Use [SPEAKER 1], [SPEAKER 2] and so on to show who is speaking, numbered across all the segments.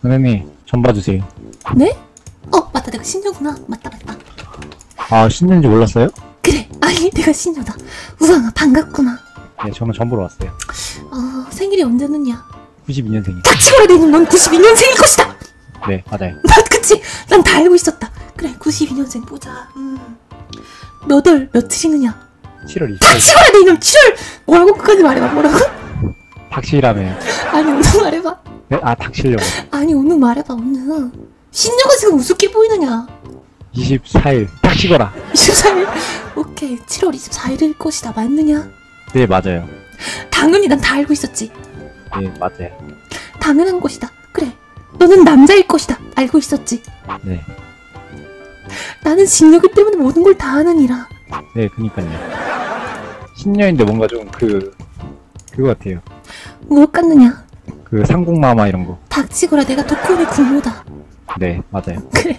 [SPEAKER 1] 선생님, 전 봐주세요.
[SPEAKER 2] 네? 맞다, 내가 신녀구나. 맞다.
[SPEAKER 1] 아, 신년인지 몰랐어요?
[SPEAKER 2] 그래, 아니 내가 신녀다. 우왕아 반갑구나.
[SPEAKER 1] 네, 저는 전 보러 왔어요.
[SPEAKER 2] 생일이 언제느냐?
[SPEAKER 1] 92년생이요.
[SPEAKER 2] 닥치거라 내놈, 넌 92년생일 것이다.
[SPEAKER 1] 네, 맞아요.
[SPEAKER 2] 그치? 난 다 알고 있었다. 그래, 92년생 보자. 며칠이느냐?
[SPEAKER 1] 7월 20일.
[SPEAKER 2] 닥치거라 내 이놈. 7월 뭐라고? 끝까지 말해봐. 뭐라고?
[SPEAKER 1] 닥치라며요.
[SPEAKER 2] 아니 오늘 말해봐.
[SPEAKER 1] 네? 아, 닥치려고.
[SPEAKER 2] 아니 오늘 말해봐. 오늘 신녀가 지금 우습게 보이느냐?
[SPEAKER 1] 24일. 닥치거라.
[SPEAKER 2] 24일. 오케이, 7월 24일일 것이다. 맞느냐?
[SPEAKER 1] 네, 맞아요.
[SPEAKER 2] 당연히 난 다 알고 있었지.
[SPEAKER 1] 네, 맞아요.
[SPEAKER 2] 당연한 것이다. 그래, 너는 남자일 것이다. 알고 있었지.
[SPEAKER 1] 네.
[SPEAKER 2] 나는 신녀기 때문에 모든 걸 다 하느니라.
[SPEAKER 1] 네, 그니까요. 신년인데 뭔가 좀 그거 같아요.
[SPEAKER 2] 무엇 같느냐?
[SPEAKER 1] 그 상국마마 이런 거.
[SPEAKER 2] 닥치거라, 내가 도쿄의 군모다.
[SPEAKER 1] 네, 맞아요.
[SPEAKER 2] 그래.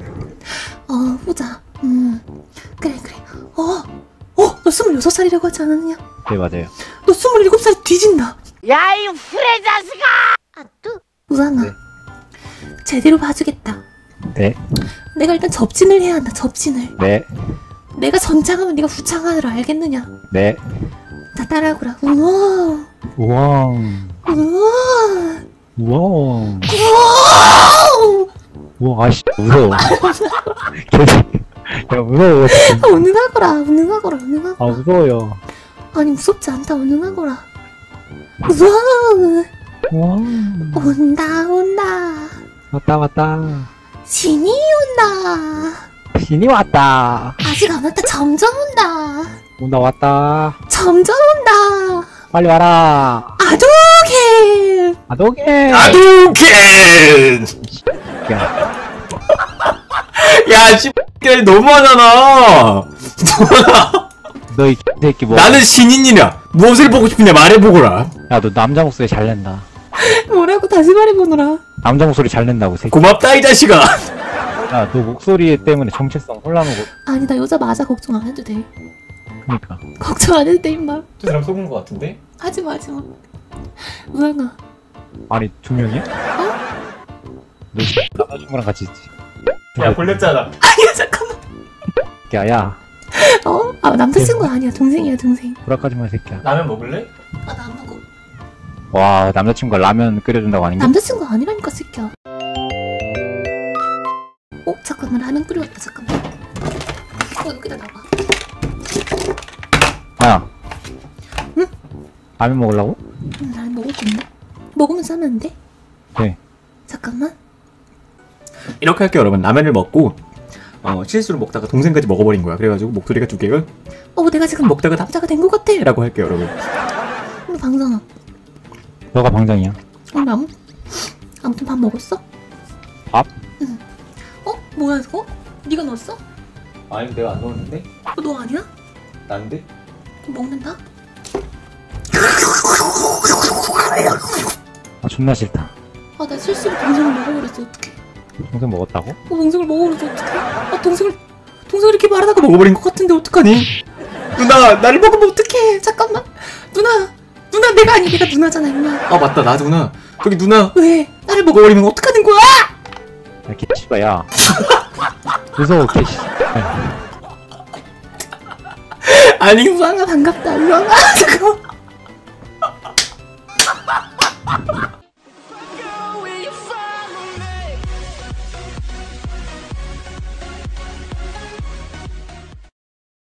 [SPEAKER 2] 보자. 그래. 너 26살이라고 하지 않았느냐?
[SPEAKER 1] 네, 맞아요.
[SPEAKER 2] 너 27살 뒤진다.
[SPEAKER 3] 야, 이 후레 자식아!
[SPEAKER 2] 우상아,
[SPEAKER 1] 네.
[SPEAKER 2] 제대로 봐주겠다.
[SPEAKER 1] 네,
[SPEAKER 2] 내가 일단 접진을 해야 한다. 접진을.
[SPEAKER 1] 네,
[SPEAKER 2] 내가 전창하면 네가 후창하느라. 알겠느냐?
[SPEAKER 1] 네.
[SPEAKER 2] 자, 따라하거라. 우와,
[SPEAKER 1] 우왕.
[SPEAKER 2] 우와,
[SPEAKER 1] 우왕.
[SPEAKER 2] 우와.
[SPEAKER 1] 우와, 아씨, 무서워. 야, 무서워.
[SPEAKER 2] 운행하거라.
[SPEAKER 1] 아, 무서워요.
[SPEAKER 2] 아니 무섭지 않다. 운행하거라. 우와,
[SPEAKER 1] 우왕.
[SPEAKER 2] 온다.
[SPEAKER 1] 왔다.
[SPEAKER 2] 신이 온다.
[SPEAKER 1] 신이 왔다.
[SPEAKER 2] 아직 안 왔다. 점점 온다.
[SPEAKER 1] 왔다.
[SPEAKER 2] 점점 온다.
[SPEAKER 1] 빨리 와라.
[SPEAKER 2] 아도개.
[SPEAKER 1] 아도게.
[SPEAKER 4] 아동캔!
[SPEAKER 1] 야,
[SPEAKER 4] 야, 씨발 너무하잖아.
[SPEAKER 1] 너 이 새끼 뭐.
[SPEAKER 4] 나는 신인이냐? 무엇을 보고 싶냐 말해보거라.
[SPEAKER 1] 야, 너 남자 목소리 잘 낸다.
[SPEAKER 2] 뭐라고 다시 말해보느라.
[SPEAKER 1] 남자 목소리 잘 낸다고, 새끼.
[SPEAKER 4] 고맙다 이 자식아.
[SPEAKER 1] 야, 너 목소리 때문에 정체성 혼란하고.
[SPEAKER 2] 아니 나 여자 맞아. 걱정 안 해도 돼.
[SPEAKER 1] 그니까.
[SPEAKER 2] 걱정 안 해도 돼 임마.
[SPEAKER 4] 저 사람 속은 거 같은데?
[SPEAKER 2] 하지마. 우상아,
[SPEAKER 1] 아니, 2명이야? 너 남자친구랑 같이 있지?
[SPEAKER 4] 야, 걸렸잖아.
[SPEAKER 2] 아니야 잠깐만.
[SPEAKER 1] 야,
[SPEAKER 2] 남자친구 아니야. 동생이야, 동생.
[SPEAKER 1] 불화까지 마, 새끼야.
[SPEAKER 4] 라면 먹을래?
[SPEAKER 2] 나 안 먹어.
[SPEAKER 1] 와, 남자친구가 라면 끓여준다고 아닌가?
[SPEAKER 2] 남자친구 아니라니까 새끼야. 잠깐만, 라면 끓여왔다. 잠깐만. 여기다 놔봐.
[SPEAKER 1] 야.
[SPEAKER 2] 응?
[SPEAKER 1] 라면 먹으려고?
[SPEAKER 2] 라면 먹을 건데? 먹으면서 하면 안 돼?
[SPEAKER 1] 네.
[SPEAKER 2] 잠깐만.
[SPEAKER 4] 이렇게 할게요 여러분. 라면을 먹고 실수로 먹다가 동생까지 먹어버린 거야. 그래가지고 목소리가 두 개가
[SPEAKER 2] 내가 지금
[SPEAKER 4] 먹다가 남자가 된 것 같아 라고 할게요 여러분.
[SPEAKER 2] 오늘 방장아.
[SPEAKER 1] 너가 방장이야.
[SPEAKER 2] 아무튼 밥 먹었어?
[SPEAKER 1] 밥?
[SPEAKER 2] 응. 뭐야 이거? 네가 넣었어?
[SPEAKER 4] 아니 내가 안 넣었는데?
[SPEAKER 2] 너 아니야?
[SPEAKER 4] 난데?
[SPEAKER 2] 먹는다?
[SPEAKER 1] 아, 존나 싫다.
[SPEAKER 2] 나 실수로 동생을 먹어버렸어. 어떡해.
[SPEAKER 1] 동생 먹었다고?
[SPEAKER 2] 동생을 먹어버렸어. 어떡해. 동생을 이렇게 말하다가
[SPEAKER 4] 먹어버린 것 같은데 어떡하니? 누나 나를 먹으면 어떡해?
[SPEAKER 2] 잠깐만. 누나 내가 아니, 내가 누나잖아 임마.
[SPEAKER 4] 아 맞다 나 누나. 저기 누나
[SPEAKER 2] 왜? 나를
[SPEAKER 4] 먹어버리면 어떡하는 거야?
[SPEAKER 1] 야, 개씨발, 야. 무서워, 개씨.
[SPEAKER 4] 아니
[SPEAKER 2] 우왕아 반갑다. 우왕아 잠깐만.